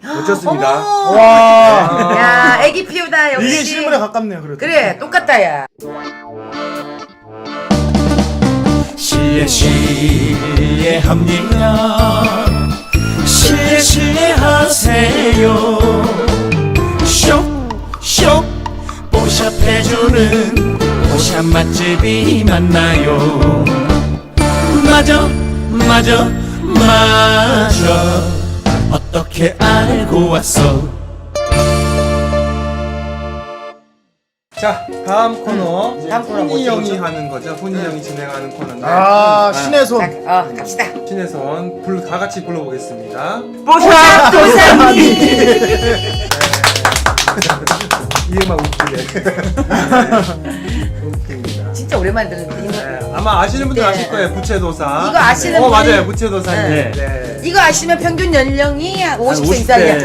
놓쳤습니다. 와. 야, 애기 피우다 역시. 이게 실물에 가깝네요. 그래도. 그래, 똑같다 야. 실례합니다. 실례하세요. 쇽쇽 뽀샵해주는 뽀샵 맛집이 맞나요? 맞아 어떻게 알고 왔어? 자, 다음 코너. 다음 코너 훈이 뭐죠, 형이 뭐죠? 하는 거죠. 훈이 형이 진행하는 코너인데. 아, 신의 손. 자, 갑시다. 신의 손 다 같이 불러보겠습니다. 뽀샵 도사님. 이 음악 웃기네. 웃깁니다. 진짜 오랜만에 듣는데 이거. 네, 아마 아시는 분들 네. 아실 거예요. 부채도사. 이거 아시는 네. 분이- 맞아요. 부채도사님. 네. 네. 이거 아시면 평균 연령이 50세 50대.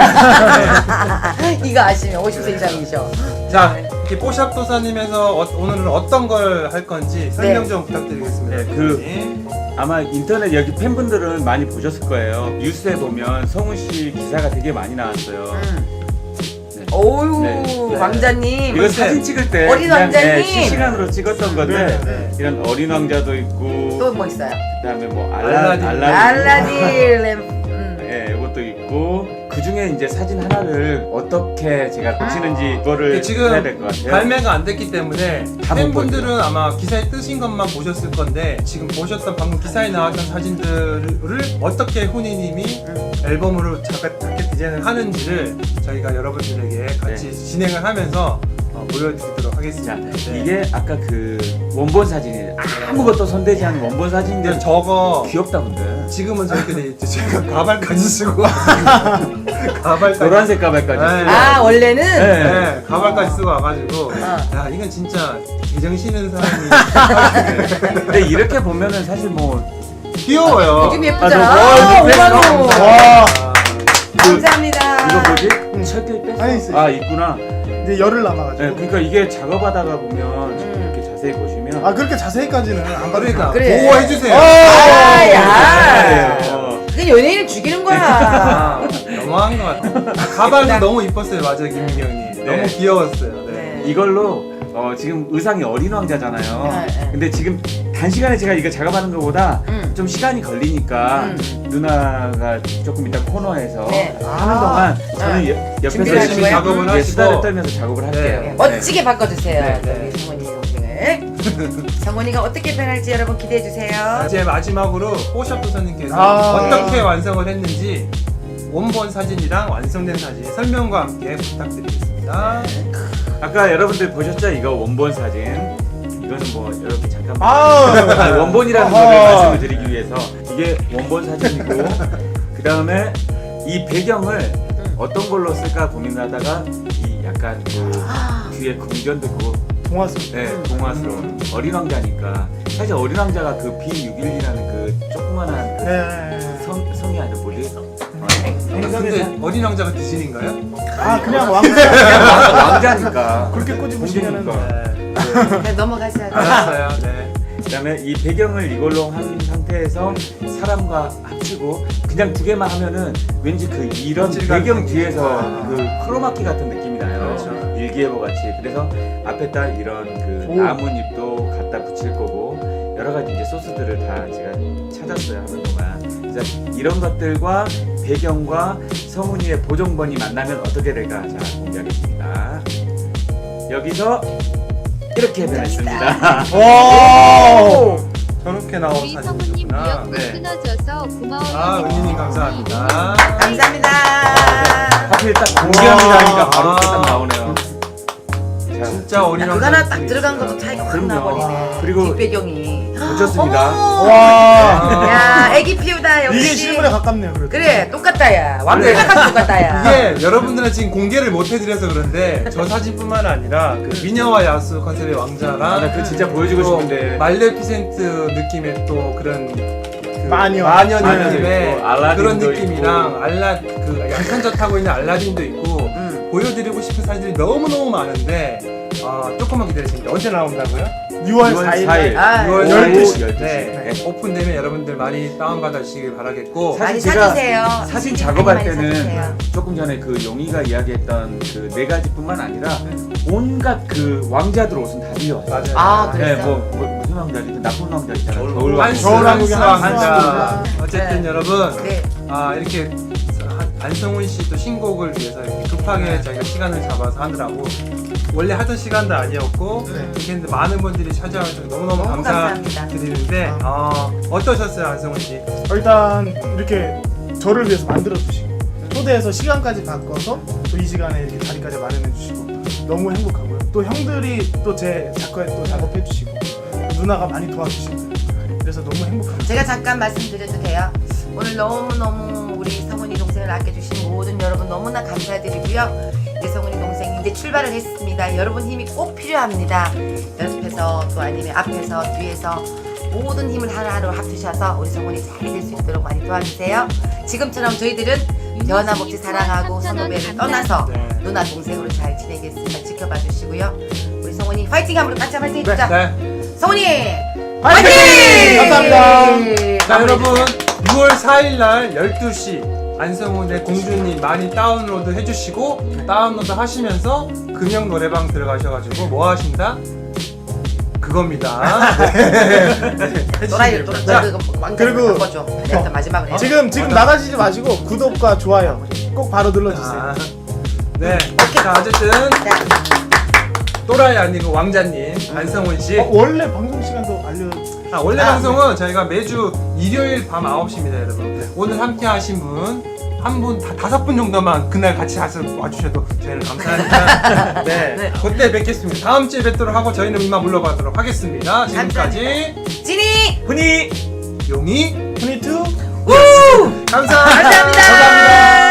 이상이야. 이거 아시면 50세 이상이죠. 자, 이렇게 뽀샵 도사님에서 오늘은 어떤 걸 할 건지 설명 네. 좀 부탁드리겠습니다. 네, 아마 인터넷 여기 팬분들은 많이 보셨을 거예요. 뉴스에 보면 성훈 씨 기사가 되게 많이 나왔어요. 오유 네. 왕자님. 이거 사진 찍을 때 어린 그냥, 왕자님. 실시간으로 찍었던 건데 네. 이런 어린 왕자도 있고 또 뭐 있어요? 그다음에 뭐 알라딘. 알라딘 램. 예, 이것도 있고 그 중에 이제 사진 하나를 어떻게 제가 고치는지 그거를 지금 해야 될 것 같아요. 발매가 안 됐기 때문에 다 못 팬분들은 아마 기사에 뜨신 것만 보셨을 건데 지금 보셨던 방금 기사에 나왔던 사진들을 어떻게 훈이님이 앨범으로 작게 디자인을 하는지를 저희가 여러분들에게 같이 진행을 하면서 보여드리도록 하겠습니다. 자, 네. 이게 아까 그 원본 사진이에요. 아무것도 손대지 않은 원본 사진인데 근데 저거 귀엽다 근데. 지금은 저희들이 제가 가발까지 쓰고 가발까지 노란색 가발까지. 네. 아 원래는. 네. 네, 가발까지 쓰고 와가지고 야 이건 진짜 개정신은 사람이 근데 이렇게 보면은 사실 뭐 귀여워요. 요즘 예쁘잖아. 아, 아, 5만 원. 와. 감사합니다. 이거 뭐지? 철길 뺐어? 아니, 있어요. 아 있구나. 이제 열을 남아가지고. 네, 그러니까 이게 작업하다가 보면 이렇게 자세히 보시면 아, 그렇게 자세히까지는 안 그러니까 그래. 보호해주세요. 아, 야. 어, 그게 연예인을 죽이는 거야. 아, 너무한 것 같아. 가발도 너무 이뻤어요, 맞아 김민기 형님. 너무 귀여웠어요. 네. 네. 이걸로 지금 의상이 어린 왕자잖아요. 네. 근데 지금 단시간에 제가 이거 작업하는 것보다 좀 시간이 걸리니까 누나가 조금 이따 코너에서 네. 하는 동안 저는 옆에서 준비를 하는 열심히 거예요? 작업을 하시고. 수다를 떨면서 작업을 할게요. 네. 멋지게 바꿔주세요. 네, 네. 우리 성원이 동생을. 성원이가 어떻게 변할지 여러분 기대해 주세요. 이제 마지막으로 뽀샵 도사님께서 아. 어떻게 완성을 했는지 원본 사진이랑 완성된 사진 설명과 함께 부탁드리겠습니다. 아까 여러분들 보셨죠? 이거 원본 사진. 이거는 뭐 이렇게 잠깐 아. 원본이라는 어허. 거를 말씀을 드리기 위해서 이게 원본 사진이고 그 다음에 이 배경을 어떤 걸로 쓸까 고민하다가 이 약간 그 뒤에 궁전도 있고 동화스. 네, 동화스러운 어린 왕자니까 사실 어린 왕자가 그 B611이라는 그 조그만한 그 네. 성이 아니라 뭐지? 근데 어린 왕자가 디즈니인가요? 아, 그냥 왕자. 왕자니까 그렇게 꼬집으시면은. 공주니까. 네, 넘어가자. 알았어요. 네. 그다음에 이 배경을 이걸로 한 상태에서 사람과 합치고 그냥 두 개만 하면은 왠지 그 이런 질감 배경 생기죠. 뒤에서 아. 그 크로마키 같은 느낌이 나요. 그렇죠. 일기예보 같이. 그래서 앞에다 이런 그 오. 나뭇잎도 갖다 붙일 거고 여러 가지 이제 소스들을 다 제가 찾았어요 하는 동안. 그래서 이런 것들과 배경과 성훈이의 보정본이 만나면 어떻게 될까? 자 공개하겠습니다. 여기서 이렇게 변했습니다. 와. 저렇게 나온 우리 성우님 사진이구나. 미역국 네. 끊어져서 고마워요. 아, 은희님 감사합니다. 감사합니다. 하필 딱 공개합니다니까 바로 와. 딱 나오네요. 자, 진짜 어린 그거 왕자. 하나 딱 들어간 것도 차이가 확 그럼요. 나버리네. 그리고 뒷배경이. 놓쳤습니다. 어머. 와. 야, 애기 피우다 역시. 이게 실물에 가깝네요. 그래도. 그래, 똑같다 야. 네. 왕자가 똑같다 야. 이게 여러분들은 지금 공개를 못 해드려서 그런데 저 사진뿐만 아니라 그 미녀와 야수 컨셉의 왕자랑 나 그거 진짜 보여주고 또 싶은데. 말레피센트 느낌의 또 그런 그 마녀. 마녀 마녀도 느낌의 있고, 알라딘도 그런 느낌이랑 있고. 그 양탄자 타고 있는 알라딘도 있고 보여드리고 싶은 사진들이 너무너무 많은데 조금만 기다리시면 언제 나온다고요? 6월 4일. 아, 6월 12시. 12시. 네. 네. 오픈되면 여러분들 많이 다운받으시길 바라겠고. 많이 사실 제가 사주세요. 사진 많이 작업할 많이 때는 사주세요. 조금 전에 그 용이가 이야기했던 그 4가지뿐만 아니라 온갖 그 왕자들 옷은 다 빌려왔어요. 맞아요. 아, 네, 그랬어? 뭐 무슨 왕자지? 나쁜 왕자 있잖아요. 한스 겨울왕국의 왕자. 한스. 어쨌든 네. 여러분, 네. 이렇게 안성훈 씨 또 신곡을 위해서 이렇게 급하게 저희가 시간을 잡아서 하느라고 원래 하던 시간도 아니었고 이렇게 했는데 많은 분들이 찾아와주셔서 너무너무 너무 감사드리는데 어떠셨어요, 안성훈 씨? 일단 이렇게 저를 위해서 만들어 주시고 초대해서 시간까지 바꿔서 또 이 시간에 이렇게 자리까지 마련해 주시고 너무 행복하고요. 또 형들이 또 제 작가에 또 작업해 주시고 누나가 많이 도와주시고 그래서 너무 행복합니다. 제가 잠깐 말씀드려도 돼요? 오늘 너무너무 우리 성훈이 동생을 아껴주신 모든 여러분 너무나 감사드리고요. 이제 성훈이 동생이 이제 출발을 했습니다. 여러분 힘이 꼭 필요합니다. 연습해서 또 아니면 앞에서 뒤에서 모든 힘을 하나하나 합치셔서 우리 성훈이 잘 될 수 있도록 많이 도와주세요. 지금처럼 저희들은 변함없이 사랑하고 선후배를 떠나서 네. 누나 동생으로 잘 지내겠습니다. 지켜봐 주시고요. 우리 성훈이 파이팅 한번 같이 파이팅 해주자. 네. 성훈이 파이팅! 감사합니다. 자, 여러분 6월 4일날 12시 안성훈의 공주님 많이 다운로드 해주시고 다운로드 하시면서 금영 노래방 들어가셔가지고 뭐 하신다? 그겁니다. 네. 또라이 또 자, 그리고- 바꿔줘. 일단 마지막으로 해. 지금 나가시지 마시고 구독과 좋아요 꼭 바로 눌러주세요. 아, 네. 자, 어쨌든 또라이 아니고 왕자님 안성훈 씨. 원래 방송 시간도 원래 방송은 저희가 매주 일요일 밤 9시입니다, 여러분. 오늘 함께 하신 분, 한 분, 5분 정도만 그날 같이 와주셔도 저희는 감사하니까. 네. 네. 그때 뵙겠습니다. 다음 주에 뵙도록 하고 저희는 이만 물러가도록 하겠습니다. 지금까지 진이 훈이 용이 훈이2 감사합니다. 감사합니다.